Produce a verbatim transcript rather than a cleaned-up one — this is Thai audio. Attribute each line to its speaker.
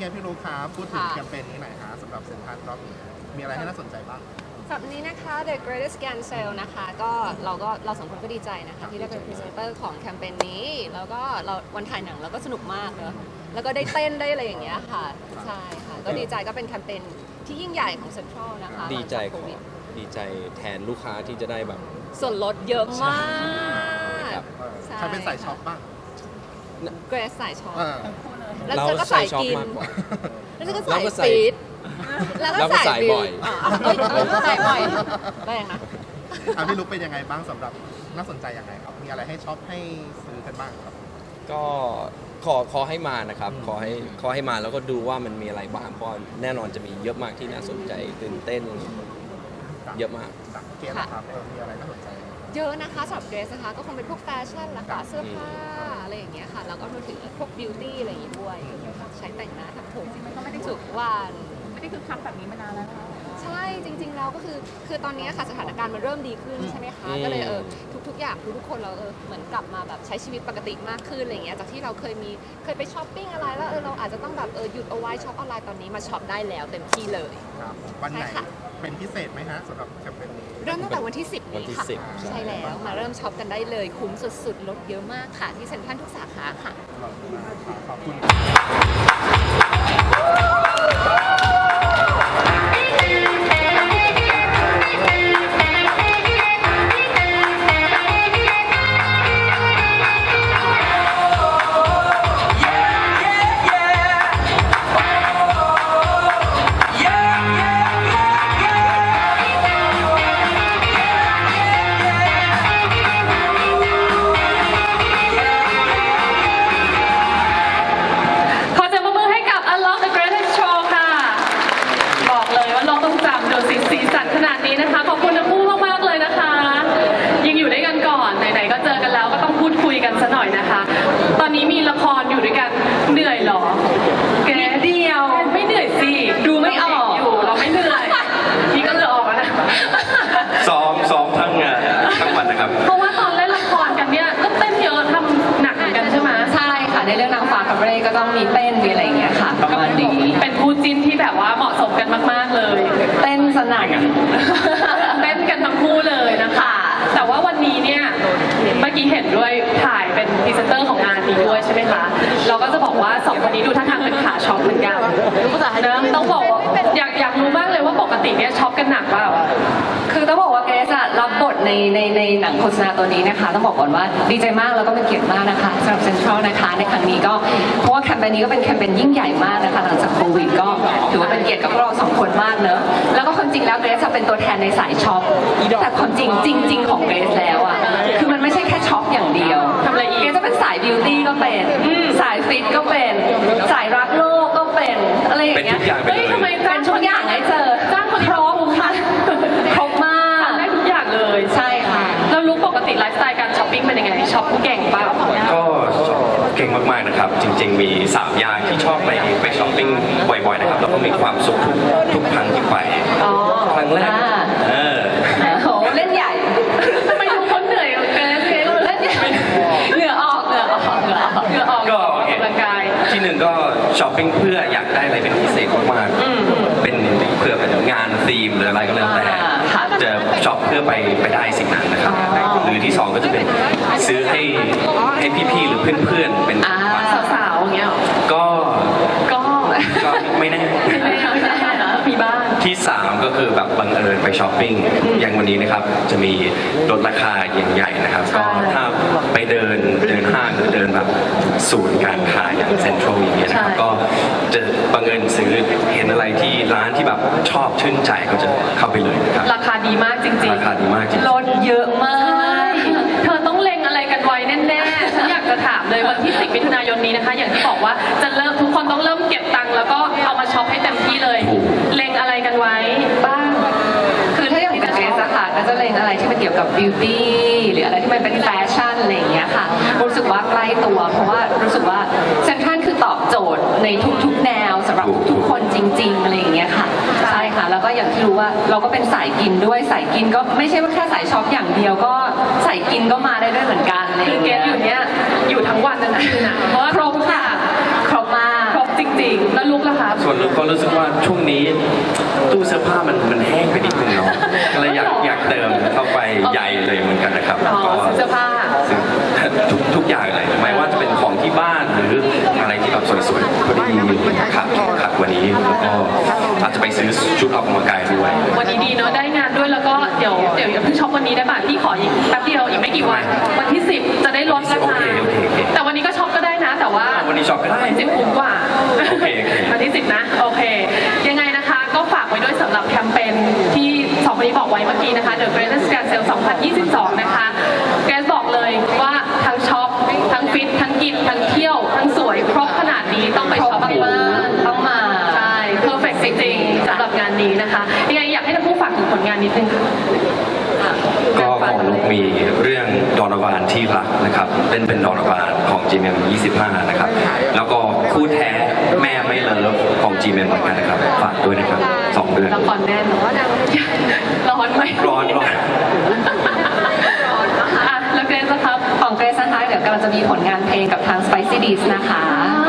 Speaker 1: ไงพี่ลูกค้าพูดถึงแคมเปญนี้หน่อยฮะสำหรับเซ็นทรัลรอบนี้มีอะไรให้น่าสนใจบ้าง
Speaker 2: สำหรับนี้นะคะ The Greatest Scan Sale นะคะก็เราก็เราสองคนก็ดีใจนะคะที่ได้เป็นพรีเซนเตอร์ของแคมเปญนี้แล้วก็เราวันถ่ายหนังเราก็สนุกมากเนอะแล้วก็ได้เต้นได้อะไรอย่างเงี้ยค่ะใช่ค่ะก็ดีใจก็เป็นแคมเปญที่ยิ่งใหญ่ของเซ็นทรัลนะคะ
Speaker 3: ดีใจของดีใจแทนลูกค้าที่จะได้แบบ
Speaker 2: ส่วนลดเยอะมาก
Speaker 1: ใครเป็นสายช็อปบ้าง
Speaker 2: เกรซสายช็อปแล้ว
Speaker 3: เรา
Speaker 2: เจอก็สายกิน
Speaker 3: มากกว่า
Speaker 2: แล้วเจอก็สายฟีดแล้วก็สายบ่อยสายบ่อยแรงนะ
Speaker 1: อ่ะพี่ลูกเป็นยังไงบ้างสำหรับน่าสนใจยังไงครับมีอะไรให้ช็อปให้ซื้อกันบ้างครับ
Speaker 3: ก็ขอขอให้มานะครับขอให้ขอให้มาแล้วก็ดูว่ามันมีอะไรบ้างเพราะแน่นอนจะมีเยอะมากที่น่าสนใจตื่นเต้นเยอะมาก
Speaker 1: เกมครับมีอะไรน่าสนใจ
Speaker 2: เยอะนะคะสำหรับเกรซนะคะก็คงเป็นพวกแฟชั่นละค่ะเสื้อผ้าอะไรอย่างเงี้ยค่ะแล้วก็รวมถึงพวกบิวตี้อะไรอย่างงี้ด้วยใช้แต่งหน้าทำผมมันก็ไม่ได้ทุกวัน
Speaker 4: ไม่ได้คือคักแบบนี้มานานแล้วนะคะ
Speaker 2: ใช่จริงๆแล้วก็คือคือตอนนี้ค่ะสถานการณ์มันเริ่มดีขึ้นใช่ไหมคะก็เลยเออทุกๆอย่างทุกๆคนเราเออเหมือนกลับมาแบบใช้ชีวิตปกติมากขึ้นอะไรอย่างเงี้ยจากที่เราเคยมีเคยไปช้อปปิ้งอะไรแล้วเออเราอาจจะต้องแบบเออหยุดเอาไว้ช็อปออนไลน์ตอนนี้มาช็อปได้แล้วเต็มที่เลย
Speaker 1: ครับวันไหนเป็นพิเศษไหมฮะสำหรับแคมเปญนี้
Speaker 2: เริ่มตั้งแต่วันที่สิบนี้ค่ะใช่แล้วมาเริ่มช็อปกันได้เลยคุ้มสุดๆลดเยอะมากค่ะที่เซ็นทรัลทุกสาขาค่ะ
Speaker 1: ขอบคุณ
Speaker 4: ตอนนี้มีละครอยู่ด้วยกันเหนื่อยหรอแกเดียวไม่เหนื่อยสิดูไม่ออกอยู่เราไม่เหนื่อยนี่ก็เหนื่อยออกแล้วนะ
Speaker 5: ซ้อมซ้อมทั้งงานทั้งวันนะครับ
Speaker 4: เพราะว่าตอนเล่นละครกันเนี่ยก็เต้นเยอะทำหนักเหมือนกันใช่ไหม
Speaker 2: ใช่ค่ะในเรื่องนางฟ้ากับเรย์ก็ต้องมีเต้นมีอะไรอย่างเงี้ยค่ะประมาณนี้
Speaker 4: เป็นคู่จิ้นที่แบบว่าเหมาะสมกันมากๆเลย
Speaker 2: เต้นสนั่น
Speaker 4: เต้นกันทั้งคู่เลยนะคะแต่ว่าวันนี้เนี่ยเมื่อกี้เห็นด้วยถ่ายเป็นพรีเซนเตอร์ของงานนี้ด้วยใช่ไหมคะเราก็จะบอกว่าสองคนนี้ดูท่าทางเป็นขาช็อปเหมือนกันนะต้องบอกอยากอยากรู้มากเลยว่าปกติเนี่ยช็อปกันหนักเปล่า
Speaker 2: คือต้องบอกว่าเกรซอะรับบทในในในหนังโฆษณาตัวนี้นะคะต้องบอกก่อนว่าดีใจมากแล้วก็เป็นเกียรติมากนะคะสำหรับเซ็นทรัลนะคะในครั้งนี้ก็เพราะว่าแคมเปญนี้ก็เป็นแคมเปญยิ่งใหญ่มากนะคะหลังจากโควิดก็ถือว่าเป็นเกียรติกับพวกเราสองคนมากเนอะแล้วก็ความจริงแล้วเกรซจะเป็นตัวแทนในสายช็อปแต่ความจริงจริงๆของเกรซแล้วอะคือมันไม่ใช่แค่ช็อปอย่างเดียว
Speaker 4: ทำอะไรอีก
Speaker 2: เกรซจะเป็นสายบิวตี้ก็เป็นสายฟิตก็เป็นสายรักโลกก็เป็นอะไรอย่างเงี้ย
Speaker 4: เฮ้ยทำไม
Speaker 2: เป็นทุกอย่างให้เจอ
Speaker 4: จ้างคนครบค่ะ
Speaker 2: ครบมาก
Speaker 4: ได้ทุกอย่างเลย
Speaker 2: ใช่ค่ะ
Speaker 4: แล้วรู้ปกติไลฟ์สไตล์การช้อปปิ้งเป็นยังไงช็อปเก่งป่ะ
Speaker 5: ก็เก่งมากๆนะครับจริงๆมีสามอย่างที่ชอบไปไปช้อปปิ้งบ่อยๆนะครับแล้วก็มีความสุขทุกทุกครั้งที่ไปครั้งแรกเออ
Speaker 2: โหเล่นใหญ่
Speaker 4: ทำไมทุกคนเหนื่อยเกินเกิน
Speaker 2: เล่นใหญ่เหงื่อออกเหงื่อออกเหงื่อออกเหงื่อออก
Speaker 5: ก็
Speaker 4: ร่างกาย
Speaker 5: ที่หนึ่งก็ช้อปปิ้งเพื่ออยากได้อะไรเป็นพิเศษมากๆเป็นเพื่อเป็นงานธีมหรืออะไรก็แล้วแต่จะช็อปเพื่อไปไปได้สิ่งนั้นนะครับหรือที่สองก็จะเป็นซื้อให้ให้พี่ๆหรือเพื่อนๆเป็น
Speaker 4: สาวๆอย่างเงี้ย
Speaker 5: ก็
Speaker 4: ก็
Speaker 5: ก็ไม่แน่
Speaker 4: มีบ้าง
Speaker 5: ที่สามก็คือแบบบังเอิญไปช้อปปิ้งอย่างวันนี้นะครับจะมีลดราคาใหญ่ๆนะครับก็ถ้าไปเดินเดินห้างหรือเดินแบบศูนย์การค้าอย่างเซ็นทรัลอย่างเงี้ยนะครับก็จะบังเอิญซื้อเห็นอะไรที่ร้านที่แบบชอบชื่นใจก็จะเข้าไปเลยครับ
Speaker 4: ราคาดีมากจริงๆ
Speaker 5: ราคาดีมากจริง
Speaker 4: ลดเยอะมากเธอต้องเล็งอะไรกันไว้แน่ๆฉันอยากจะถามเลยวันที่สิบมิถุนายนนี้นะคะอย่างที่บอกว่าจะเริ่มทุกคนต้องเริ่มเก็บตังค์แล้วก็เอามาช็อปให้เต็มที่เลยเล็งอะไรกันไว้บ้าง
Speaker 2: คือถ้าอย่างเกรซค่ะก็จะเล็งอะไรที่มันเกี่ยวกับบิวตี้หรืออะไรที่มันเป็นแฟชั่นอะไรอย่างเงี้ยค่ะรู้สึกว่าใกล้ตัวเพราะว่ารู้สึกว่าเซ็นทรัลคือตอบโจทย์ในทุกๆแนวสำหรับทุกๆคนจริงๆอะไรอย่างเงี้ยค่ะใช่ค่ะแล้วก็อย่างที่รู้ว่าเราก็เป็นสายกินด้วยสายกินก็ไม่ใช่ว่าแค่สายช็อปอย่างเดียวก็สายกินก็มาได้ด้วยเหมือนกัน
Speaker 4: คือเกรซอยู่เนี้ยอยู่ทั้งวันทั้งคืนอ่ะเพราะว่า
Speaker 2: ครบค่ะครบมาก
Speaker 4: ครบจริงๆ แล้วลุกล่ะคะ
Speaker 5: ส่วนลุกก็รู้สึกว่าช่วงนี้ตู้เสื้อผ้ามันมันแห้งไปนิดนึงเนาะเลยอยากอยากเติมเข้าไปใหญ่เลยเหมือนกันนะครับ
Speaker 4: อ๋อ
Speaker 5: ก็
Speaker 4: เสื้อผ้า
Speaker 5: ซื้อทุกทุกอย่างเลยไม่ว่าจะเป็นของที่บ้านหรืออะไรที่แบบสวยๆพอดีขัดขัดวันนี้แล้วก็อาจจะไปซื้อชุดออกกำลังกายด้วย
Speaker 4: วันนี้ดีเนอะได้งานด้วยแล้วก็เดี๋ยวเดี๋ยวอย่าเพิ่งช็อปวันนี้ได้ป่ะพี่ขออีกแป๊บเดียวอีกไม่กี่วันวันที่สิบจะได้ลดรา
Speaker 5: โอ
Speaker 4: คา
Speaker 5: เคโอเคโอเค
Speaker 4: แต่วันนี้ก็ช็อปก็ได้นะ แต่ว่า
Speaker 5: วันนี้ช็อปก็ได้
Speaker 4: วันสิบคุ้มกว่า
Speaker 5: โอเคโอเค
Speaker 4: วันที่สิบนะโอเค ยังไงนะคะก็ฝากไว้ด้วยสำหรับแคมเปญที่สองคนนี้บอกไว้เมื่อกี้นะคะ The Greatest Grand Sale สองพันยี่สิบสอง นะคะแกสบอกเลยว่าทั้งช็อปทั้งฟิตทั้งกินทั้งเที่ยวทั้งสวยครบขนาดนี้ต้องไปช็อปปู
Speaker 2: ต้องมา
Speaker 4: ใช่ perfect จริงๆสำหรับงานนี้นะคะยังไงอยากให้ทั้งคู่ฝากถึงผลงานนิดนึงค่ะ
Speaker 5: ก็ของนุกมีเรื่องดอนวานที่รักนะครับเล่นเป็นดอนวานของ จี เอ็ม ยี่สิบห้า นะครับ แล้วก็คู่แท้แม่ไม่เลิฟของ จี เอ็ม เหมือนกันนะครับ ฝากด้วยนะครับสองเดือน
Speaker 4: ละครแน่นร้อนไหม
Speaker 5: ร้อนร้อน
Speaker 4: อ่ะแล้วเกรซนะครับ
Speaker 2: ของเกรซนะคะเดี๋ยวกำลังจะมีผลงานเพลงกับทาง Spicy Dish นะคะ